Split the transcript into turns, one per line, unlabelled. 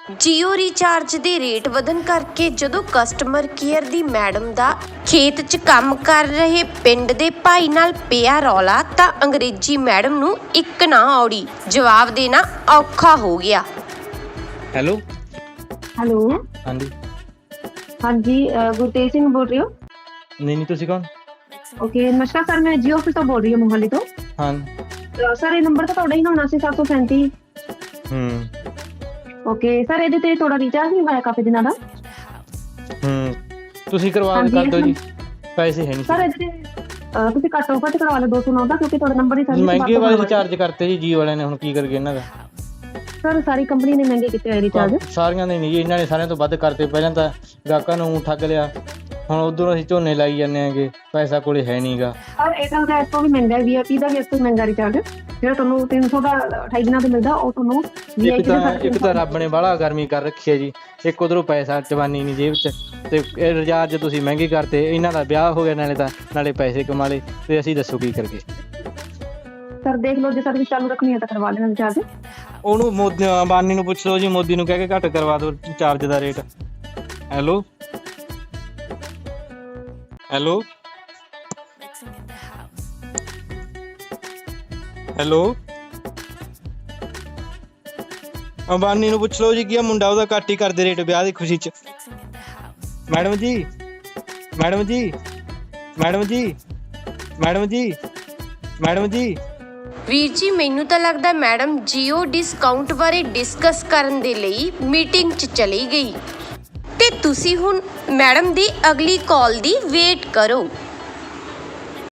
JIO recharge ਦੇ rate ਵਧਣ ਕਰਕੇ ਜਦੋਂ ਕਸਟਮਰ ਕੇਅਰ ਦੀ ਮੈਡਮ ਦਾ ਖੇਤ 'ਚ ਕੰਮ ਕਰ ਰਹੇ ਪਿੰਡ ਦੇ ਭਾਈ ਨਾਲ ਪਿਆ ਰੌਲਾ ਤਾਂ ਅੰਗਰੇਜ਼ੀ ਮੈਡਮ ਨੂੰ ਇੱਕ ਨਾ ਔੜੀ ਜਵਾਬ ਦੇਣਾ ਔਖਾ ਹੋ ਗਿਆ।
ਹੈਲੋ
ਹੈਲੋ
ਹਾਂਜੀ
ਹਾਂਜੀ ਗੁਰਤੇਜ ਸਿੰਘ ਬੋਲ ਰਹੇ ਹੋ?
ਨਹੀਂ ਤੁਸੀਂ ਕੌਣ?
ਓਕੇ ਨਮਸਕਾਰ ਸਰ, ਮੈਂ ਜੀਓ ਆਫਿਸ ਤੋਂ ਬੋਲ ਰਹੀ ਹਾਂ ਮੋਹਾਲੀ ਤੋਂ।
ਹਾਂ
ਸਰ ਇਹ ਨੰਬਰ ਤਾਂ ਤੁਹਾਡਾ ਹੀ ਨਾ 737 ਓਕੇ ਸਰ, ਇਹਦੇ ਤੇ ਤੁਹਾਡਾ ਰੀਚਾਰਜ ਨਹੀਂ ਹੋਇਆ ਕਾਫੀ ਦਿਨਾਂ ਦਾ।
ਤੁਸੀਂ ਕਰਵਾ
ਹਾਂਜੀ,
ਕਰ ਦਿਓ ਜੀ, ਪੈਸੇ ਹੈ ਨਹੀਂ
ਸਰ ਇਹਦੇ ਤੇ ਤੁਸੀਂ ਘੱਟ ਆਫਰ ਤੇ ਕਰਵਾ ਲਓ 209 ਦਾ, ਕਿਉਂਕਿ ਤੁਹਾਡਾ ਨੰਬਰ ਹੀ ਸਰ
ਮਹਿੰਗੇ ਵਾਲੇ ਰਿਚਾਰਜ ਕਰਤੇ ਜੀ ਜੀਓ ਵਾਲਿਆਂ ਨੇ, ਹੁਣ ਕੀ ਕਰਗੇ ਇਹਨਾਂ ਦਾ।
ਸਰ ਸਾਰੀ ਕੰਪਨੀ ਨੇ ਮਹਿੰਗੇ ਕੀਤੇ ਹੋਏ ਰਿਚਾਰਜ।
ਸਾਰੀਆਂ ਦੇ ਨਹੀਂ ਜੀ, ਇਹਨਾਂ ਨੇ ਸਾਰਿਆਂ ਤੋਂ ਵੱਧ ਕਰਤੇ। ਪਹਿਲਾਂ ਤਾਂ ਗਾਹਕਾਂ ਨੂੰ ਠੱਗ ਲਿਆ, ਹੁਣ ਉਧਰੋਂ ਅਸੀਂ ਝੋਨੇ ਲਾਈ ਜਾਂਦੇ ਆਂਗੇ, ਪੈਸਾ ਕੋਲੇ ਹੈ ਨਹੀਂਗਾ।
ਸਰ ਏਅਰਟੈਲ ਦਾ ਇਸ ਤੋਂ ਵੀ ਮਹਿੰਗਾ ਹੈ, ਵੀਆਈਪੀ ਦਾ ਵੀ ਇਸ ਤੋਂ ਮਹਿੰਗਾ ਰਿਚਾਰਜ, ਜਿਹੜਾ ਤੁਹਾਨੂੰ 300 ਦਾ 28 ਦਿਨਾਂ ਦਾ ਮਿਲਦਾ, ਉਹ ਤੁਹਾਨੂੰ
ਇੱਕ ਤਾਂ ਰੱਬ ਨੇ ਬਾਹਲਾ ਗਰਮੀ ਕਰ ਰੱਖੀ ਹੈ ਜੀ, ਇੱਕ ਉਧਰੋਂ ਪੈਸਾ ਜਵਾਨੀ ਨਹੀਂ ਜੇਬ 'ਚ, ਤੇ ਇਹ ਰਿਚਾਰਜ ਤੁਸੀਂ ਮਹਿੰਗੇ ਕਰਤੇ। ਇਹਨਾਂ ਦਾ ਵਿਆਹ ਹੋ ਗਿਆ, ਨਾਲੇ ਪੈਸੇ ਕਮਾ ਲਏ, ਤੇ ਅਸੀਂ ਦੱਸੋ ਕੀ ਕਰਗੇ।
ਸਰ ਦੇਖ ਲਓ, ਜੇ ਸਰਵਿਸ ਚਾਲੂ ਰੱਖਣੀ ਹੈ ਤਾਂ ਕਰਵਾ ਲੈਣਾ ਰਿਚਾਰਜ।
ਉਹਨੂੰ ਮੋਦੀ ਅੰਬਾਨੀ ਨੂੰ ਪੁੱਛ ਲਓ ਜੀ, ਮੋਦੀ ਨੂੰ ਕਹਿ ਕੇ ਘੱਟ ਕਰਵਾ ਦਿਓ ਚਾਰਜ ਦਾ rate. Hello hello hello Ambani ਨੂੰ ਪੁੱਛ ਲਓ ਜੀ, ਕੀ ਆ ਮੁੰਡਾ ਉਹਦਾ ਘੱਟ ਹੀ ਕਰਦੇ ਰੇਟ ਵਿਆਹ ਦੀ ਖੁਸ਼ੀ 'ਚ। ਮੈਡਮ ਜੀ ਮੈਡਮ ਜੀ ਮੈਡਮ ਜੀ ਮੈਡਮ ਜੀ ਮੈਡਮ ਜੀ
ਵੀਰ ਜੀ, ਮੈਨੂੰ ਤਾਂ ਲੱਗਦਾ ਮੈਡਮ ਜੀਓ ਡਿਸਕਾਊਂਟ ਬਾਰੇ ਡਿਸਕਸ ਕਰਨ ਦੇ ਲਈ ਮੀਟਿੰਗ 'ਚ ਚਲੀ ਗਈ ਤੇ ਤੁਸੀਂ ਹੁਣ ਮੈਡਮ ਦੀ ਅਗਲੀ ਕਾਲ ਦੀ ਵੇਟ ਕਰੋ।